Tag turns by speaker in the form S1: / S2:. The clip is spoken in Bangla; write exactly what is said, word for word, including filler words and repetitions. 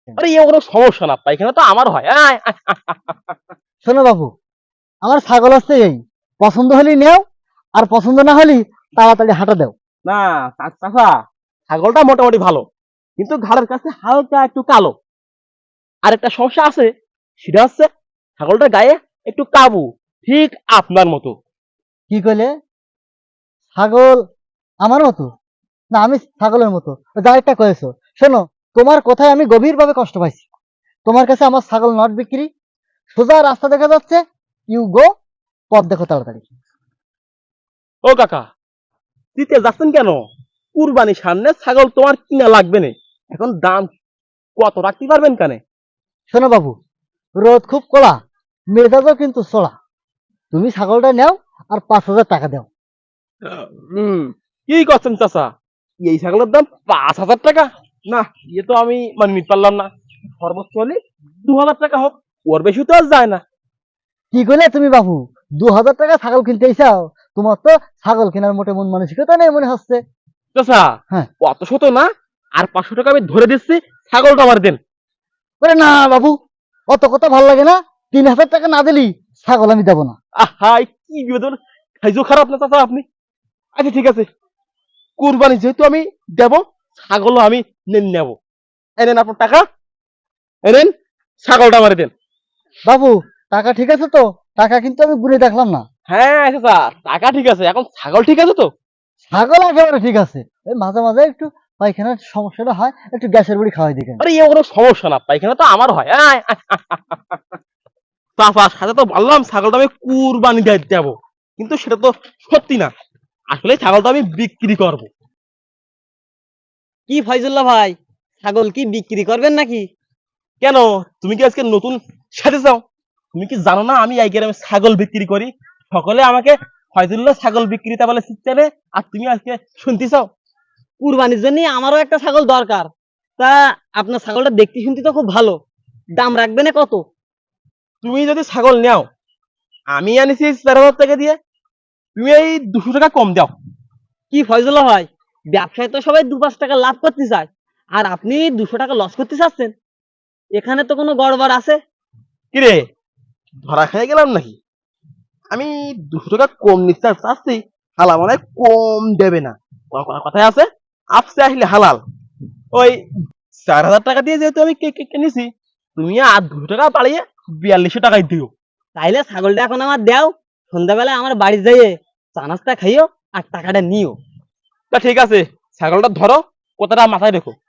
S1: আরে এ কোনো সমস্যা না, পায়খানা তো আমার হয়। আয়, আয়।
S2: শোনো বাবু, আমার ছাগল হচ্ছে এই, পছন্দ হলি নেও, আর পছন্দ না হলি তাড়াতাড়ি হাঁটা দাও।
S1: না চাচা, ছাগলটা মোটামুটি ভালো, কিন্তু ঘাড়ের কাছে হালকা একটু কালো। আর একটা সমস্যা আছে, সেটা হচ্ছে ছাগলটার গায়ে একটু কাবু, ঠিক আপনার মতো।
S2: কি কইলে? ছাগল আমার মতো? না, আমি ছাগলের মতো? যা একটা কয়েছো। শোনো, তোমার কথায় আমি গভীরভাবে কষ্ট পাইছি। তোমার কাছে আমার ছাগল নট বিক্রি। সোজা রাস্তা দেখা যাচ্ছে, ইউ গো, পথ দেখো তাড়াতাড়ি।
S1: ও কাকা, দিতে যাচ্ছেন কেন? কুরবানির সামনে ছাগল তোমার কিনা লাগবে না, এখন দাম কত রাখতে পারবেন কানে?
S2: শোনো বাবু, রোদ খুব কড়া, মেজাজও কিন্তু চড়া। তুমি ছাগলটা নাও, আর পাঁচ হাজার টাকা দাও।
S1: হম, কি করছেন চাচা? এই ছাগলের দাম পাঁচ হাজার টাকা? না, ইয়ে তো আমি মানে নিতে পারলাম না। সর্বোচ্চ হলে দু হাজার টাকা হোক, ওর বেশি তো আর যায় না।
S2: কি করলে তুমি বাবু? দু হাজার টাকা ছাগল কিনতে চাও? তোমার তো ছাগল কেনার মোটে মন মানসিকতা নেই মনে হচ্ছে।
S1: চাচা,
S2: হ্যাঁ।
S1: অত শত না, আর পাঁচশো টাকা আমি ধরে দিচ্ছি, ছাগলটা আমার দেন।
S2: বলে না বাবু, অত কথা ভাল লাগে না। তিন হাজার টাকা না দিলি ছাগল আমি দেবো না।
S1: আহা, কি বিবেদন, খাইজো খারাপ না চাচা আপনি। আচ্ছা ঠিক আছে, কুরবানি যেহেতু আমি দেব, ছাগলও আমি নেব। এনেন আপনার টাকা, এনেন, ছাগলটা আমার দেন।
S2: বাবু, টাকা ঠিক আছে তো? টাকা কিন্তু আমি গুনে দেখলাম না।
S1: হ্যাঁ চাচা, টাকা ঠিক আছে, এখন ছাগল ঠিক আছে তো?
S2: ছাগল একেবারে ঠিক আছে। ওই মাঝে মাঝে একটু পায়খানার সমস্যাটা হয়, একটু গ্যাসের বড়ি খাওয়াই দিকেন।
S1: আরে এ কোনো সমস্যা না, পায়খানা তো আমার হয়। আয়, আয়। চাচার সাথে তো বললাম ছাগলটা আমি কুরবানি দিয়ে দেবো, কিন্তু সেটা তো সত্যি না। আসলে ছাগলটা আমি বিক্রি করব।
S3: কি ফয়জুল্লাহ ভাই, ছাগল কি বিক্রি করবেন নাকি?
S1: কেন, তুমি কি আজকে নতুন সাথে চাও? তুমি কি জানো না আমি এই গ্রামে ছাগল বিক্রি করি? সকলে আমাকে ফয়জুল্লাহ ছাগল বিক্রেতা বলে চিৎকারে, আর তুমি আজকে শুনতে চাও?
S3: কুরবানির জন্য আমারও একটা ছাগল দরকার। তা আপনার ছাগলটা দেখতে শুনতে তো খুব ভালো, দাম রাখবেন কত?
S1: তুমি যদি ছাগল নাও, আমি আনিছি চার হাজার টাকা দিয়ে, তুমি এই দুশো টাকা কম দাও।
S3: কি ফয়জুল্লাহ ভাই, ব্যবসায় তো সবাই দু পাঁচ টাকা লাভ করতে চায়, আর আপনি দুশো টাকা লস করতে চাচ্ছেন? এখানে তো কোনো গড়বড় আছে।
S1: কিরে, ধরা খেয়ে গেলাম নাকি? আমি দুশো টাকা কম নিতে চাচ্ছি, হালা মানে কম দেবে না। ক- ক- কথায় আছে, আপসে আসলে হালাল। ওই চার হাজার টাকা দিয়ে যেহেতু আমি কে- কে- কিনেছি, তুমি আর দুশো টাকা বাড়িয়ে বিয়াল্লিশশো টাকায় দিও।
S3: তাইলে ছাগলটা এখন আমার দেও, সন্ধ্যাবেলায় আমার বাড়ি যাইয়ে চা নাস্তা খাইও আর টাকাটা নিও।
S1: তা ঠিক আছে, ছাগলটা ধরো, কথাটা মাথায় রেখো।